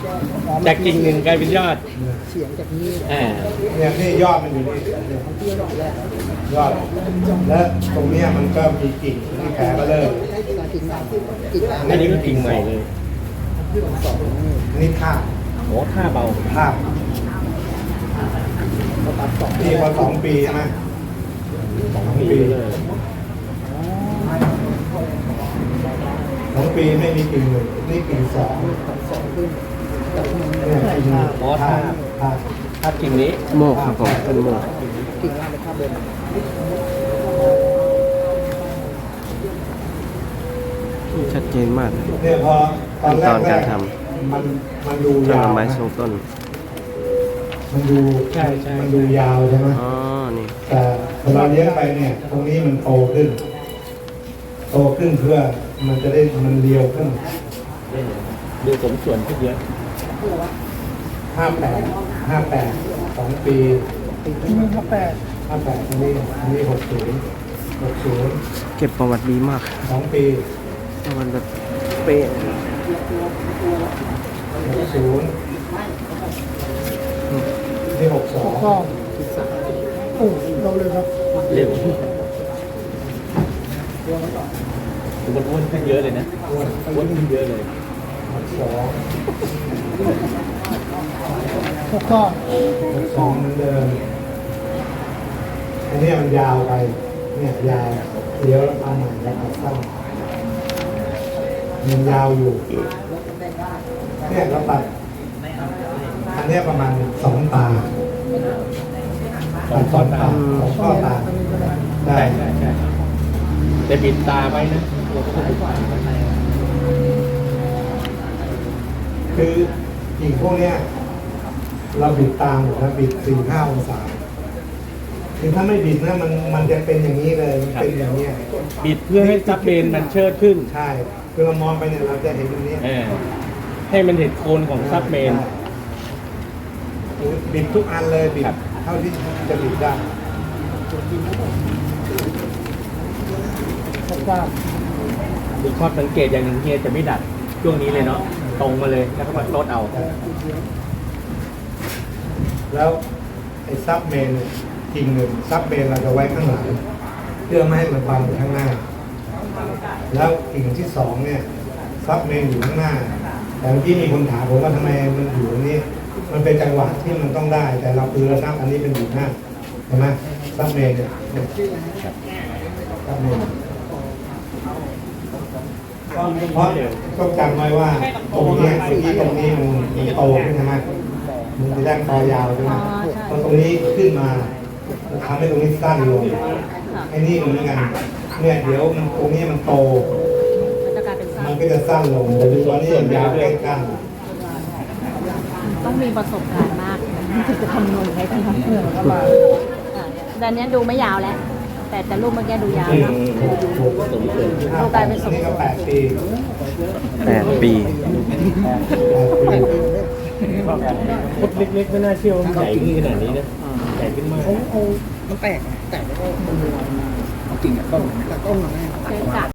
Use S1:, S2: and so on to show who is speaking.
S1: จากกิ่งหนึ่งกลายเป็นยอด
S2: เฉียงจากนี้
S3: เนี่ยนี่ยอดมันอยู่นี่
S2: ที่ยอดแรก
S3: ยอดและตรงเนี้ยมันก็มีกิ่งที่แผลก็เริ่ม
S2: กิ่งใหม่กิ่ง
S1: อันนี้ก็กิ่งใหม่เลย
S2: สองนี่
S3: อันนี้ท่า
S1: โอ้ท่าเบา
S3: ท่า
S2: เขาตัดสอง
S3: นี่พอ2 ปีใช่ไหม
S1: 2 ปีเลย
S3: 2 ปีไม่มีกิ่งเลยนี่กิ่ง2
S2: สองขึ้นจากนี้
S3: เนี่ยกิ่งท่า
S1: ท่ากิ่งนี้
S4: โมกครับผมเป็นโมก
S2: กิ่งล่างเป็นข้าบน
S4: ชัดเจนมาก
S3: เนี่ยพอตอนแร
S4: ขั้นตอนการท
S3: มันดู
S4: ำช่าง
S3: ยาว
S4: ไม้ทรงต้น
S3: มันดู
S1: ใช่ใช่
S3: มันดูยาวใช่ไหม
S4: อ๋อ นี่
S3: แต่พอเราเลี้ยงไปเนี่ย ตรงนี้มันโตขึ้นเพื่อมันจะได้มันเรียวขึ้น
S1: ดูสมส่วนขึ้นเยอะ
S3: 58 2 ปี
S2: ที่นี่เขาแปด
S3: 58อันนี้60
S4: เก็บประวัติดีมาก
S3: 2 ปี
S4: ประวัติแบบเป๊ะ
S3: 60นี่62
S2: ข้อกิ่งสามโอ้เราเลยครับ
S1: เร็วมันอ้วนขึ้นเยอะเลยนะอ้วนขึ้นเยอะเลย
S2: หกข้อ
S3: 62เหมือนเดิมอันนี้มันยาวไปเนี่ยยาวเดี๋ยวเอาใหม่แล้วเอาสั้นมันยาวอยู่เนี่ยเราตัดอันเนี้ยประมาณ2 ตา2 ตา2 ข้อตาได้
S1: ใช่ใช่แต่บิดตาไว้นะ
S3: คือกิ่งพวกเนี้ยเราบิดตามหมดนะบิด 4-5 องศาคือถ้าไม่บิดนะมันจะเป็นอย่างนี้เลยมันเป็นอย่างเนี้ย
S1: บิดเพื่อให้ซับเบนมันเชิดขึ้น
S3: ใช่คือเรามองไปเนี่ยเราจะเห็นตรงนี้
S1: ให้มันเห็นโคนของซับเมน
S3: บิดทุกอันเลยบิด
S1: ครับ
S3: เท่าที่จะบิดได้
S2: หกข้อ
S1: มีข้อสังเกตอย่างหนึ่งเฮียจะไม่ดัดช่วงนี้เลยเนาะตรงมาเลยแล้วก็มาลดเอา
S3: แล้วไอ้ซับเมนเนี่ยกิ่งหนึ่งซับเมนเราจะไว้ข้างหลังเพื่อไม่ให้มันบังอยู่ข้างหน้า แล้วกิ่งที่2เนี่ยซับเมนอยู่ข้างหน้า แต่เมื่อกี้มีคนถามผมว่าทำไมมันอยู่ตรงนี้ มันเป็นจังหวะที่มันต้องได้ แต่เราคือเราซับอันนี้เป็นอยู่หน้าเห็นไหมซับเมนเนี่ยซับเมนเพราะต้องจำไว้ว่าตรงนี้เมื่อกี้ตรงนี้มันโตขึ้นใช่ไหมมันจะได้คอยาวใช่ไหมพอตรงนี้ขึ้นมาทำให้ตรงนี้สั้นลงไอ้นี่เหมือนกันเนี่ยเดี๋ยวมันตรงนี้มันโต
S5: มันจะกลายเป็นสั้
S3: มัน นก็จะสั้นลงแต่ดูตอนนี้ยาวใกล้กัน
S5: ต้องมีประสบการณ์มากถึงจะคำนวณได้ที่
S2: เหนื่อยก็มา
S5: แต่อันเนี้ยดูไม่ยาวแล้ว แต่รูปเมื่อกี้ดูยาว
S3: ถูก
S1: สมส่วน
S5: ดูกลายเป็นสม
S3: นี่
S5: ส่
S3: ก็
S5: วน
S3: 8 ปี
S4: 8 ปี
S1: พุดเล็กๆไม่น่าเชื่อว่ามันใหญ่ขึ้นขนาดนี้นะใหญ่ขึ้นมาก
S2: มันแตกแล้วก็มันเอากิ่งกับต้นแต่ต้นมาแน่
S5: เจ๊กะ